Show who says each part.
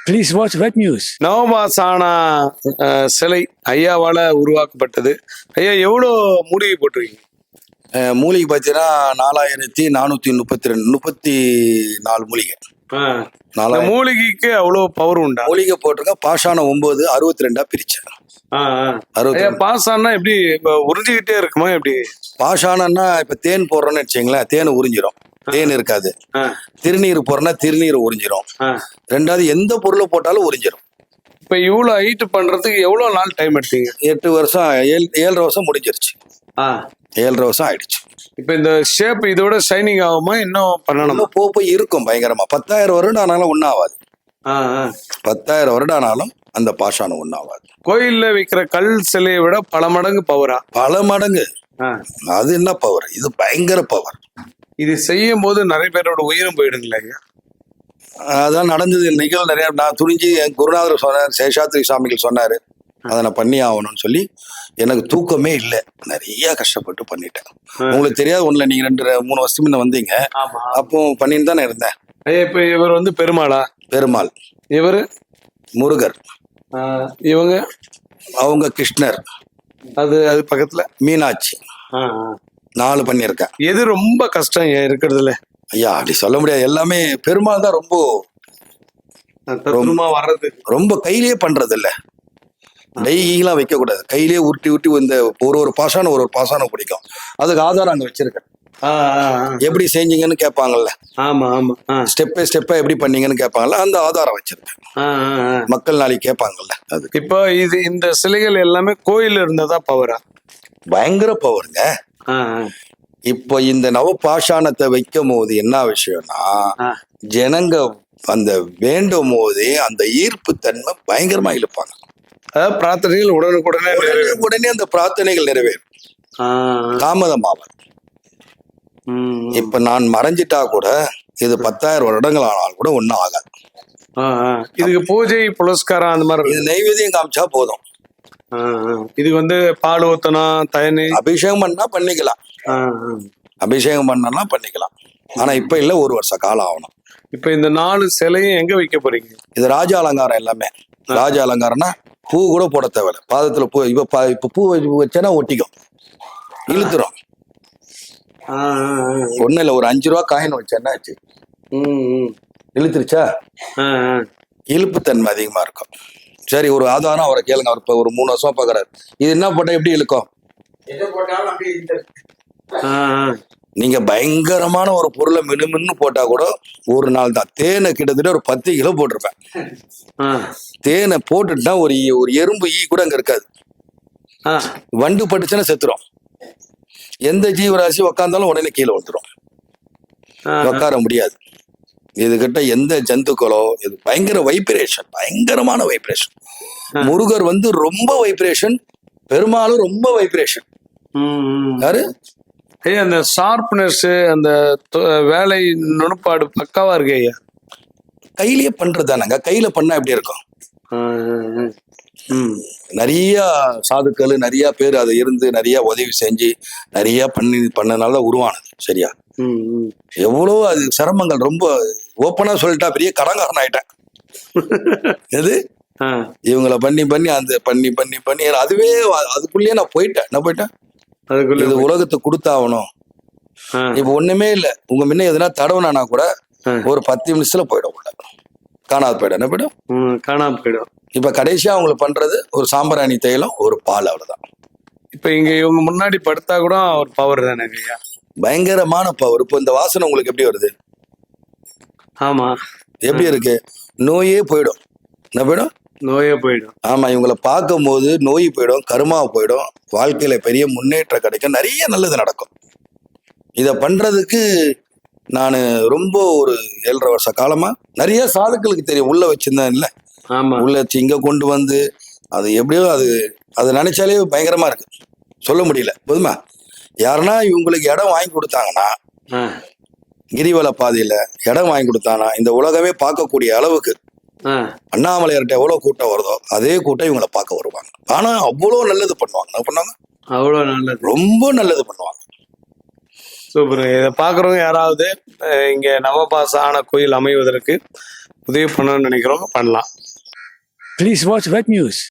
Speaker 1: Please watch web news.
Speaker 2: நவபாசானா சிலை ஐயாவால உருவாக்கப்பட்டது. ஐயா எவ்வளோ மூலிகை போட்டிருக்கீங்க?
Speaker 3: மூலிகை பார்த்தீங்கன்னா 4434 மூலிகை.
Speaker 2: இந்த மூலிகைக்கு அவ்வளோ பவர் உண்டா?
Speaker 3: மூலிகை போட்டிருக்கேன். பாஷானம் 9 62 பிரிச்சேன்.
Speaker 2: ஐயா பாசானா எப்படி இப்ப உறிஞ்சிக்கிட்டே இருக்குமா எப்படி?
Speaker 3: பாஷானம்னா இப்ப தேன் போடுறோன்னு வச்சுங்களேன், தேன் உறிஞ்சிரும், தேன் இருக்காது. திருநீர் போடுறோன்னா திருநீர் உறிஞ்சிரும். ரெண்டாவது எந்த பொருளை போட்டாலும் உறிஞ்சிரும்.
Speaker 2: இப்ப இவ்வளவு ஹைட் பண்றதுக்கு எவ்வளவு நாள் டைம் எடுத்தீங்க?
Speaker 3: 8 வருஷம் 7.5 வருஷம் முடிஞ்சிருச்சு. 7.5 வருஷம் ஆயிடுச்சு.
Speaker 2: இப்ப இந்த ஷேப் இதோட ஷைனிங் ஆகுமா? இன்னும் பண்ணணுமா?
Speaker 3: போய் இருக்கும் பயங்கரமா. 10,000 வருடம் ஆனாலும் ஒன்றாகாது. 10,000 வருடம் ஆனாலும் அந்த பாஷானம் ஒன்றாகாது.
Speaker 2: கோயில்ல வைக்கிற கல் சிலையை விட பல மடங்கு பவரா?
Speaker 3: பல மடங்கு. அது என்ன பவர்? இது பயங்கர பவர்.
Speaker 2: இது செய்யும் போது நிறைய பேரோட உயிரும் போயிடுங்களா ஐயா?
Speaker 3: அதான் நடந்தது. நிகழ்வு நிறைய. நான் துணிஞ்சு என் குருநாதர் சொன்னார், சேஷாத்ரி சுவாமிகள் சொன்னாரு, அதை நான் பண்ணி ஆகணும்னு சொல்லி எனக்கு தூக்கமே இல்லை. நிறைய கஷ்டப்பட்டு பண்ணிட்டேன். உங்களுக்கு தெரியாது ஒண்ணுல, நீங்க 2-3 வருஷத்துக்கு முன்ன வந்தீங்க, அப்போ பண்ணிட்டு தானே இருந்தேன்.
Speaker 2: ஐயா இப்ப இவர் வந்து பெருமாளா?
Speaker 3: பெருமாள்.
Speaker 2: இவரு
Speaker 3: முருகர்.
Speaker 2: இவங்க
Speaker 3: அவங்க கிருஷ்ணர்.
Speaker 2: அது பக்கத்துல
Speaker 3: மீனாட்சி. 4 பண்ணியிருக்கேன்.
Speaker 2: எது ரொம்ப கஷ்டம் இருக்கிறதுல?
Speaker 3: ஐயா அப்படி சொல்ல முடியாது. எல்லாமே பெருமாள் தான்.
Speaker 2: வர்றது
Speaker 3: ரொம்ப கையிலேயே பண்றது இல்ல. டெய்லாம் வைக்க கூடாது. கையிலேயே உருட்டி இந்த ஒரு பாசானம் பாசானம் பிடிக்கும். அதுக்கு ஆதாரம் அங்க வச்சிருக்கேன். எப்படி செஞ்சீங்கன்னு கேட்பாங்கல்ல.
Speaker 2: ஆமா ஆமா.
Speaker 3: ஸ்டெப் பை ஸ்டெப்பா எப்படி பண்ணீங்கன்னு கேட்பாங்கல்ல. அந்த ஆதாரம் வச்சிருக்கேன். மக்கள் நாளைக்கு கேட்பாங்கல்ல. அது
Speaker 2: இப்போ இந்த சிலைகள் எல்லாமே கோயில்ல இருந்ததா பவரா?
Speaker 3: பயங்கர பவருங்க. இப்போ இந்த நவபாஷாணத்தை வைக்கும் போது என்ன விஷயம்னா, ஜனங்க அந்த வேண்டும் போதே அந்த ஈர்ப்பு தன்மை பயங்கரமா இழுப்பாங்க.
Speaker 2: அதாவது பிரார்த்தனைகள்
Speaker 3: உடனே அந்த பிரார்த்தனைகள் நிறைவேறும். தாமதமாகும். இப்ப நான் மறைஞ்சிட்டா கூட இது 10,000 வருடங்கள் ஆனாலும் கூட ஒன்னும் ஆகாது.
Speaker 2: இதுக்கு பூஜை புலஸ்காரம் அந்த மாதிரி
Speaker 3: இது நைவேத்தியம் காமிச்சா போதும்.
Speaker 2: இதுக்கு வந்து பால் ஊத்தணும், தயனி
Speaker 3: அபிஷேகம் பண்ணா பண்ணிக்கலாம். அபிஷேகம் பண்ணா பண்ணிக்கலாம். ஆனா இப்ப இல்ல, 1 வருஷ காலம் ஆகணும்.
Speaker 2: இப்ப இந்த 4 சிலையும் எங்க வைக்க போறீங்க?
Speaker 3: இது ராஜ அலங்காரம். எல்லாமே ராஜ அலங்காரம்னா பூ கூட போட தேவையில்ல. பாதத்துல பூ இப்ப பூ வச்சேன்னா ஒட்டிக்கும், இழுத்துரும். ஒண்ணு இல்ல, ஒரு 5 ரூபா காயின் வச்சேன்னா ஆச்சு, இழுத்துருச்சா? இழுப்பு தன்மை அதிகமா இருக்கும். சரி, ஒரு ஆதாரம் அவரை கேளுங்க. அவர் இப்ப ஒரு 3 வருஷமா பாக்குறாரு. இது என்ன போட்டா எப்படி இழுக்கும்? நீங்க பயங்கரமான ஒரு பொருளை மின்னு போட்டா கூட ஒரு நாள் தான். தேனை கிட்டத்தட்ட ஒரு 10 கிலோ போட்டிருப்பேன். தேனை போட்டுட்டா ஒரு எறும்பு ஈ கூட அங்க இருக்காது. வண்டு பட்டுச்சுன்னா செத்துரும். எந்த ஜீவராசி உக்காந்தாலும் உடனே கீழே வந்துடும், உட்கார முடியாது. இதுகிட்ட எந்த ஜந்துக்களோ, இது பயங்கர வைப்ரேஷன், பயங்கரமான வைப்ரேஷன். முருகர் வந்து ரொம்ப வைப்ரேஷன், பெருமாளும் ரொம்ப வைப்ரேஷன். யாரு?
Speaker 2: அந்த ஷார்ப்னஸ், அந்த வேலை நுணுப்பாடு பக்காவா இருக்கு ஐயா.
Speaker 3: கையிலேயே பண்றதுதானங்க. கையில பண்ணா எப்படி இருக்கும்? நிறைய சாதுக்கள், நிறைய பேர் அதை இருந்து நிறைய உதவி செஞ்சு நிறைய பண்ணனால உருவானது. சரியா? எவ்வளோ அது சிரமங்கள். ரொம்ப ஓப்பனா சொல்லிட்டா பெரிய கடங்காரன் ஆயிட்டேன். எது இவங்களை பண்ணி அந்த பண்ணி அதுவே அதுக்குள்ளேயே நான் போயிட்டேன். என்ன போயிட்டேன்? இது உலகத்துக்கு கொடுத்தாகணும். இப்ப ஒண்ணுமே இல்ல. உங்க முன்ன எதுனா தடவுனா கூட ஒரு 10 நிமிஷத்துல போயிடும், உள்ள காணாது போயிடும். என்ன போயிடும்?
Speaker 2: காணாம போயிடும்.
Speaker 3: இப்ப கடைசியா அவங்களுக்கு பண்றது ஒரு சாம்பிராணி தைலம், ஒரு பால், அவ்வளவுதான்.
Speaker 2: இப்ப இவங்க முன்னாடி படுத்தா கூட ஒரு பவர் தானே ஐயா?
Speaker 3: பயங்கரமான பவர். இப்போ இந்த வாசனை உங்களுக்கு எப்படி வருது?
Speaker 2: ஆமா.
Speaker 3: எப்படி இருக்கு? நோயே போயிடும். என்ன போயிடும்?
Speaker 2: நோயே போயிடும்.
Speaker 3: ஆமா, இவங்களை பார்க்கும் போது நோய் போயிடும், கருமா போயிடும், வாழ்க்கையில பெரிய முன்னேற்றம் கிடைக்கும், நிறைய நல்லது நடக்கும். இத பண்றதுக்கு நான் ரொம்ப ஒரு 7.5 வருஷ காலமா நிறைய சாதுக்களுக்கு தெரியும். உள்ள வச்சிருந்தேன் இல்ல, உள்ள வச்சு இங்க கொண்டு வந்து அது எப்படியோ அது நினைச்சாலே பயங்கரமா இருக்கு, சொல்ல முடியல. போதுமா? யாருன்னா இவங்களுக்கு இடம் வாங்கி கொடுத்தாங்கன்னா, கிரிவல பாதையில இடம் வாங்கி கொடுத்தாங்கன்னா இந்த உலகமே பார்க்கக்கூடிய அளவுக்கு அண்ணாமலையார்ட்ட எவ்வளவு கூட்டம் வருதோ அதே கூட்டம் இவங்களை பார்க்க வருவாங்க. ஆனா அவ்வளவு நல்லது பண்ணுவாங்க. என்ன பண்ணுவாங்க?
Speaker 2: அவ்வளவு நல்லது,
Speaker 3: ரொம்ப நல்லது பண்ணுவாங்க.
Speaker 2: சூப்பர். இதை பார்க்குறவங்க யாராவது இங்கே நவபாச ஆன கோயில் அமைவதற்கு உதவி பண்ணணும்னு நினைக்கிறவங்க பண்ணலாம்.
Speaker 1: Please watch Wet News.